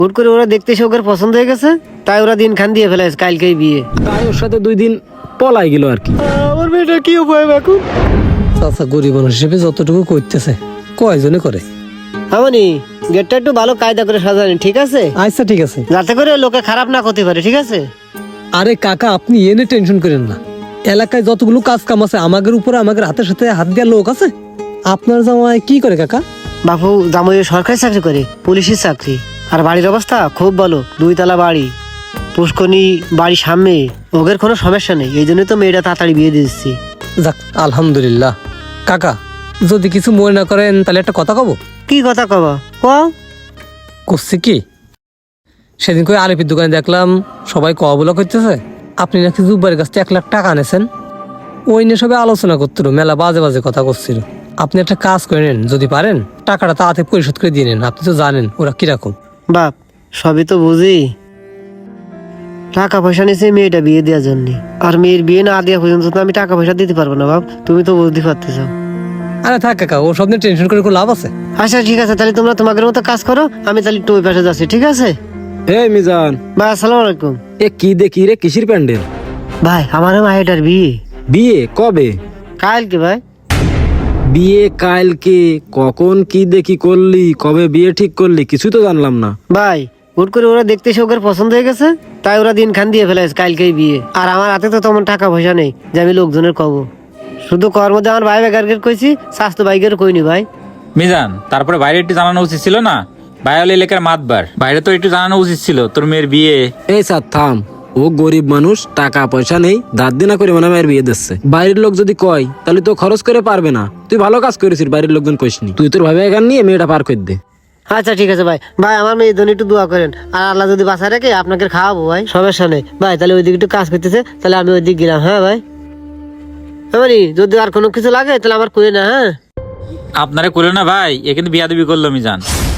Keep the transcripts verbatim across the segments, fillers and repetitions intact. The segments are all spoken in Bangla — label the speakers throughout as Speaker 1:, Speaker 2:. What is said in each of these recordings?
Speaker 1: হুট করে ওরা দেখতে এসে ওকে পছন্দ হয়ে গেছে, তাই ওরা দিন খান দিয়ে ফেলেছে কালকেই বিয়ে।
Speaker 2: তাই ওর সাথে দুই দিন পলাই গেল আর কি।
Speaker 1: আমার মেয়েটা কি উপায় এখন?
Speaker 3: চাচা গরিব মানুষ হিসেবে যতটুকু করতেছে কয়জনে করে।
Speaker 1: আমানি গেটটা একটু ভালো কায়দা করে সাজানি, ঠিক আছে?
Speaker 3: আচ্ছা ঠিক আছে।
Speaker 1: যাতে করে লোকে খারাপ না করতে পারে, ঠিক আছে?
Speaker 3: আরে কাকা আপনি এনে টেনশন করেন না, এলাকায় যতগুলো কাজ কাম আছে আমাদের উপরে আমাদের হাতের সাথে হাত দেওয়ার লোক আছে। আপনার জামাই কি করে কাকা?
Speaker 1: বাপু জামাই সরকারি চাকরি করে, পুলিশের চাকরি। আর বাড়ির অবস্থা খুব ভালো, দুই তলা বাড়ি, পুষ্কনি বাড়ির সামনে। ওদের কোনো সমস্যা নেই, এই জন্যই তো মেয়েটা তাড়াতাড়ি বিয়ে দিচ্ছি।
Speaker 3: যাক আলহামদুলিল্লাহ। কাকা যদি কিছু মনে না করেন তাহলে একটা কথা কব।
Speaker 1: কি কথা কবা? কও।
Speaker 3: করছে কি, সেদিন করে আলিপির দোকানে দেখলাম সবাই ক বলা করতেছে আপনি নাকি জুব্বারের কাছ থেকে এক লাখ টাকা আনেছেন। ওই নিয়ে সবাই আলোচনা করছিল, মেলা বাজে বাজে কথা করছিল। আপনি একটা কাজ করে নেন, যদি পারেন টাকাটা তাড়াতাড়ি পরিশোধ করে দিয়ে নেন। আপনি তো জানেন ওরা কিরকম।
Speaker 1: বাপ সবই তো বুঝি, টাকা পয়সা নিয়েছে মেয়েটা বিয়ে দেওয়ার জন্য। আর মেয়ের বিয়ে না দেওয়া পর্যন্ত তো আমি টাকা পয়সা দিতে পারবো না বাপ, তুমি তো বুঝতে পারতেছ।
Speaker 3: আরে থাক কাকা, ও সব নিয়ে টেনশন করে কোনো লাভ আছে?
Speaker 1: আচ্ছা ঠিক আছে, তাহলে তোমরা তোমাদের মতো কাজ করো, আমি তাহলে একটু ওই পাশে যাচ্ছি, ঠিক আছে?
Speaker 2: এই মিজান,
Speaker 1: ভাই আসসালামু আলাইকুম।
Speaker 2: এ কি দেখি রে, কিসির প্যান্ডেল?
Speaker 1: ভাই আমার মায়েটার বিয়ে।
Speaker 2: বিয়ে কবে?
Speaker 1: কালকে ভাই।
Speaker 2: বিয়ে কালকে? কখন কি দেখি করলি, কবে বিয়ে ঠিক করলি, কিছু তো জানলাম না
Speaker 1: ভাই হুট করে ওরা দেখতে এসে ওকে পছন্দ হয়ে গেছে, তাই ওরা দিন খান দিয়ে ফেলেছে কালকেই বিয়ে। আর আমার হাতে তো তেমন টাকা পয়সা নেই যে আমি লোকজনের কব। শুধু কর মধ্যে আমার ভাই বেকারকে কইছি, স্বাস্থ্য বাইকের কইনি ভাই।
Speaker 4: মিজান, তারপরে বাইরে একটু জানানো উচিত ছিল না? বায়োল এলাকার মাতবার, বাইরে তো একটু জানানো উচিত ছিল তোর মেয়ের বিয়ে।
Speaker 2: এই স্যার থাম, ও গরিব মানুষ, টাকা পয়সা নেই, দাঁত দিনা করে মনে মেয়ের বিয়ে দিচ্ছে। বাইরের লোক যদি কয় তাহলে তো খরচ করে পারবে না। তুই ভালো কাজ করেছিস, বাইরের লোকজন কইসনি। তুই তোর ভাবে এখান নিয়ে মেয়েটা পার করে দে।
Speaker 1: আচ্ছা ঠিক আছে ভাই। ভাই আমার মেয়ের জন্য একটু দোয়া করেন, আর আল্লাহ যদি বাঁচায় রাখে আপনাকে খাওয়াবো ভাই, সমস্যা নেই ভাই। তাহলে ওইদিকে একটু কাজ করতেছে, তাহলে আমি ওইদিকে গেলাম। হ্যাঁ ভাই, এবারে যদি আর কোনো কিছু লাগে তাহলে আমার কই না। হ্যাঁ
Speaker 4: আপনারে করলো না ভাই, এ কিন্তু বিয়া দিবি করলো মিজান।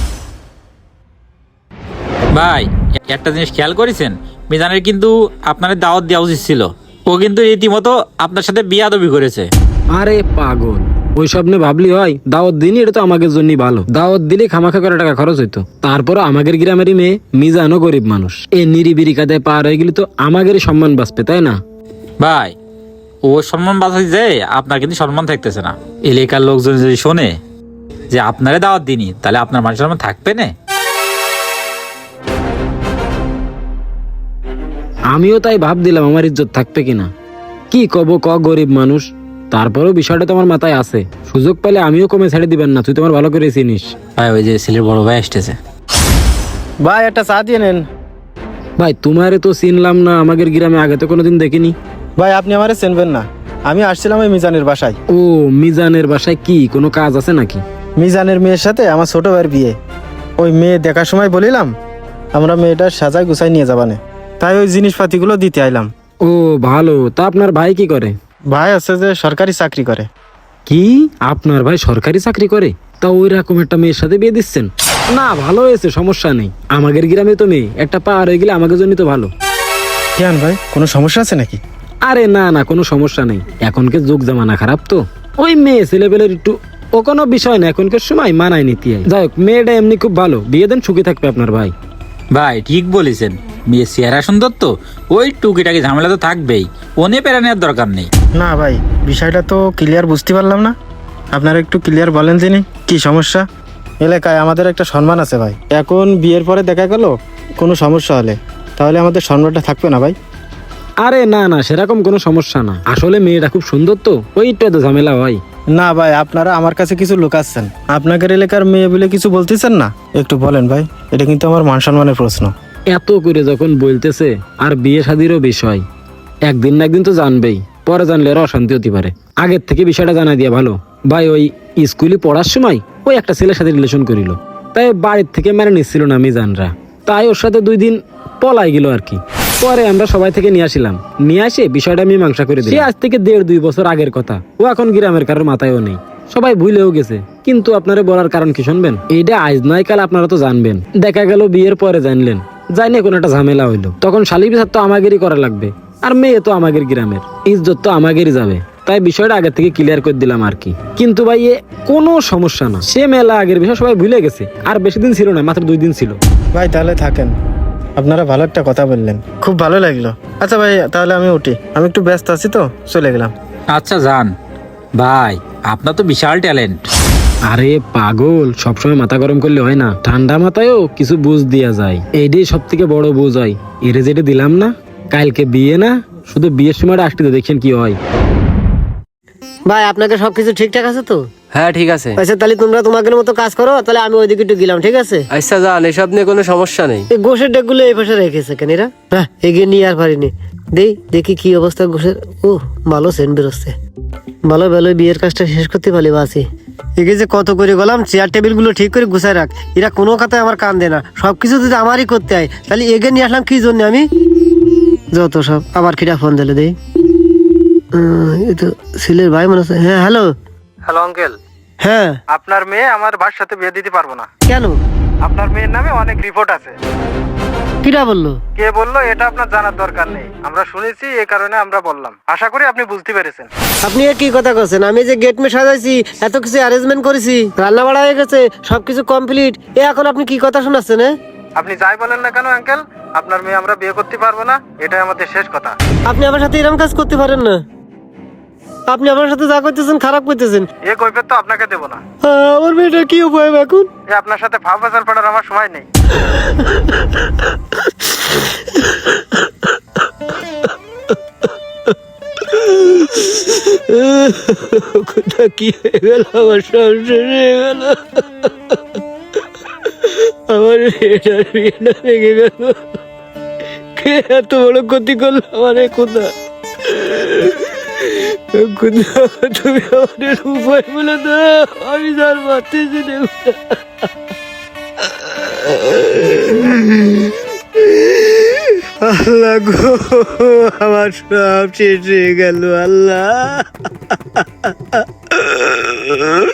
Speaker 4: ভাই একটা জিনিস খেয়াল করেছেন, মিজানের কিন্তু আপনার দাওয়াত দেওয়া উচিত ছিল। ও কিন্তু রীতিমতো আপনার সাথে বিয়া দাবি করেছে।
Speaker 2: আরে পাগল, ওই সব নিয়ে ভাবলি হয়? দাওয়াত দিনই, এটা তো আমাদের জন্যই ভালো। দাওয়াত দিলে খামাখা করে টাকা খরচ হইতো। তারপর আমাদের গ্রামেরই মেয়ে, মিজানও গরিব মানুষ, এ নিরিবিরি কাদায় পার হয়ে গেলে তো আমাদেরই সম্মান বাঁচবে, তাই না?
Speaker 4: ভাই ও সম্মান বাঁচাই যে আপনার কিন্তু সম্মান থাকতেছে না। এলাকার লোকজন যদি শোনে যে আপনারে দাওয়াত দিনি, তাহলে আপনার মান সম্মান থাকবে না।
Speaker 2: আমিও তাই ভাব দিলাম আমার ইজ্জত থাকবে কিনা। কি কব ক, গরিব মানুষ। তারপরেও বিষয়টা তোমার মাথায় আছে, সুযোগ পেলে আমিও কমে ছেড়ে দিবেন না, তুই তোমার ভালো করে চিনিস।
Speaker 4: ভাই ওই যে ছেলের বড় ভাই আসতেছে।
Speaker 5: ভাই একটা চা দিয়ে নেন।
Speaker 2: ভাই তোমারে তো চিনলাম না, আমাদের গ্রামে আগে তো কোনোদিন দেখিনি।
Speaker 5: ভাই আপনি আমারে চিনবেন না, আমি আসছিলাম ওই মিজানের বাসায়।
Speaker 2: ও মিজানের বাসায় কি কোনো কাজ আছে নাকি?
Speaker 5: মিজানের মেয়ের সাথে আমার ছোট ভাইয়ের বিয়ে। ওই মেয়ে দেখার সময় বলিলাম আমরা মেয়েটার সাজায় গুছাই নিয়ে যাবানে, তাই ওই জিনিসপাতিগুলো দিতে আইলাম।
Speaker 2: ও ভালো, তা আপনার ভাই কি করে?
Speaker 5: ভাই আছে যে সরকারি চাকরি করে।
Speaker 2: কি আপনার ভাই সরকারি চাকরি করে? তা ওই রকম একটা মেয়ের সাথে বিয়ে দিচ্ছেন? না ভালো হয়েছে, সমস্যা নেই। আমাদের গ্রামে তো মেয়ে একটা পার হয়ে গেলে আমাদের জন্য তো ভালো।
Speaker 5: কেন ভাই কোনো সমস্যা আছে নাকি?
Speaker 2: আরে না না, কোনো সমস্যা নেই। এখনকার যুগ জামানা খারাপ তো, ওই মেয়ে ছেলেবেলের একটু ও কোনো বিষয় না, এখনকার সময় মানায় নিতে হয়। যাই হোক, মেয়েটা এমনি খুব ভালো, বিয়ে দেন, সুখী থাকবে আপনার ভাই।
Speaker 4: ভাই ঠিক বলেছেন, মেয়ে চেহারা সুন্দর তো, ওই টুকিটাকি ঝামেলা তো থাকবেই, ওনে পেরা নেওয়ার দরকার নেই।
Speaker 5: না ভাই বিষয়টা তো ক্লিয়ার বুঝতে পারলাম না, আপনারা একটু ক্লিয়ার বলেন তিনি কি সমস্যা। এলাকায় আমাদের একটা সম্মান আছে ভাই, এখন বিয়ের পরে দেখা গেল কোনো সমস্যা হলে তাহলে আমাদের সম্মানটা থাকবে না ভাই।
Speaker 2: আরে না না, সেরকম কোনো সমস্যা না, আসলে মেয়েটা খুব সুন্দর তো, ওইটা তো ঝামেলা হয়।
Speaker 5: না ভাই আপনারা আমার কাছে কিছু লুকাচ্ছেন, আপনাদের এলাকার মেয়ে বলে কিছু বলতেছেন না, একটু বলেন ভাই, এটা কিন্তু আমার মান সম্মানের প্রশ্ন।
Speaker 2: এত করে যখন বলতেছে, আর বিয়ে শাদিরও বিষয়, একদিন না একদিন তো জানবেই, পরে জানলে আর অশান্তি হতে পারে। আগের থেকে বিষয়টা জানা দিয়া ভালো। ভাই ওই স্কুলে পড়ার সময় ওই একটা ছেলের সাথে রিলেশন করিল, তাই বাড়ির থেকে মেনে নিচ্ছিল না মিজানরা, তাই ওর সাথে দুই দিন পলাই গেল আর কি। পরে আমরা সবাই থেকে নিয়ে আসিলাম, নিয়ে আসে বিষয়টা মীমাংসা করে দিই। আজ থেকে দেড় দুই বছর আগের কথা, ও এখন গ্রামের কারোর মাথায়ও নেই, সবাই ভুলেও গেছে। কিন্তু আপনারা বলার কারণ কি শুনবেন? এইটা আজ নয় কাল আপনারা তো জানবেন। দেখা গেল বিয়ের পরে জানলেন, জানি কোনো একটা ঝামেলা হইলো, তখন শালি বিচার তো আমাদেরই করা লাগবে, আর মেয়ে তো আমাদের গ্রামের, ইজ্জত তো আমাদেরই যাবে। তাই বিষয়টা আগে থেকে ক্লিয়ার করে দিলাম আর কি। কিন্তু ভাই এ কোনো সমস্যা না, সে মেলা আগের বিষয় সবাই ভুলে গেছে, আর বেশি দিন ছিল না, মাত্র দুই দিন ছিল।
Speaker 5: ভাই তাহলে থাকেন, আপনারা ভালো একটা কথা বললেন, খুব ভালো লাগলো। আচ্ছা ভাই তাহলে আমি উঠি, আমি একটু ব্যস্ত আছি তো, চলে গেলাম।
Speaker 4: আচ্ছা যান ভাই, আপনার তো বিশাল ট্যালেন্ট।
Speaker 2: আরে পাগল, সবসময় মাথা গরম করলে হয় না, ঠান্ডা মাথায়ও কিছু বুঝ দেওয়া যায়, এইটাই সব থেকে বড় বুঝ হয়। এরে যেটা দিলাম না, কালকে বিয়ে না, শুধু বিয়ের সময়টা আসতে দেখছেন কি হয়।
Speaker 1: ভাই আপনাকে সবকিছু ঠিকঠাক আছে তো?
Speaker 6: হ্যাঁ ঠিক আছে।
Speaker 1: আচ্ছা তাহলে তোমরা তোমাদের মতো কাজ করো, তাহলে আমি ওইদিকে একটু গেলাম, ঠিক আছে?
Speaker 6: আচ্ছা যান, এসব নিয়ে কোনো সমস্যা নেই।
Speaker 1: এই গোশের ডেকগুলো এই পাশে রেখেছে কেন এরা? হ্যাঁ এগিয়ে নিয়ে আর পারিনি, দেই দেখি কি অবস্থা গোশের। ও ভালো সেন্ট বেরোচ্ছে, ভালো ভালো বিয়ের কাজটা শেষ করতে পারলি বাসি। এগে যে কত করে গেলাম, চেয়ার টেবিল গুলো ঠিক করে গুছাই রাখ, এরা কোনো কথায় আমার কান দেয় না, সবকিছু যদি আমারই করতে হয়, তাহলে এগে নিয়ে আসলাম কি জন্য আমি? যত সব। আবার কিটা ফোন দিলে দেই, এই তো ছেলের ভাই মনে হচ্ছে। হ্যাঁ হ্যালো।
Speaker 5: হ্যালো আঙ্কেল,
Speaker 1: হ্যাঁ
Speaker 5: আপনার মেয়ে আমার ভাইয়ের সাথে বিয়ে দিতে পারবো না।
Speaker 1: কেন?
Speaker 5: আপনার মেয়ের নামে অনেক রিপোর্ট আছে।
Speaker 1: কিটা বললো?
Speaker 5: কে বললো এটা আপনার জানার দরকার নেই, আমরা শুনেছি, এই কারণে আমরা বললাম। আশা করি আপনি বুঝতে পেরেছেন।
Speaker 1: আপনি এ কি কথা করছেন? আমি যে গেট মে সাজাইছি, এত কিছু অ্যারেঞ্জমেন্ট করেছি, রান্না বাড়া হয়ে গেছে, সবকিছু কমপ্লিট, এ এখন আপনি কি কথা শোনাচ্ছেন?
Speaker 5: আপনি যাই বলেন না কেন আঙ্কেল, আপনার মেয়ে আমরা বিয়ে করতে পারবো না, এটাই আমাদের শেষ কথা।
Speaker 1: আপনি আমার সাথে এরকম কাজ করতে পারেন না, আপনি আমার সাথে যা করতেছেন খারাপ করতেছেন।
Speaker 5: এ কৈফিয়ত তো আপনাকে দেবো না।
Speaker 1: আমার মেয়েটা কি উপায় এখন?
Speaker 5: এ আপনার সাথে ভাব বাজার পড়ার আমার সময় নেই।
Speaker 1: কোথা কি হয়ে গেল, আমার সংসার হয়ে গেল, আমার মেয়েটার বিয়েটা ভেঙে গেল, কে এত বড় ক্ষতি করলো আমার? কোথা কোথা তুমি আমাদের উপায় বলে দাও, আমি যার মারতেছি দেখো। আল্লাহ গো, আমার সব শেষ হয়ে গেল আল্লাহ।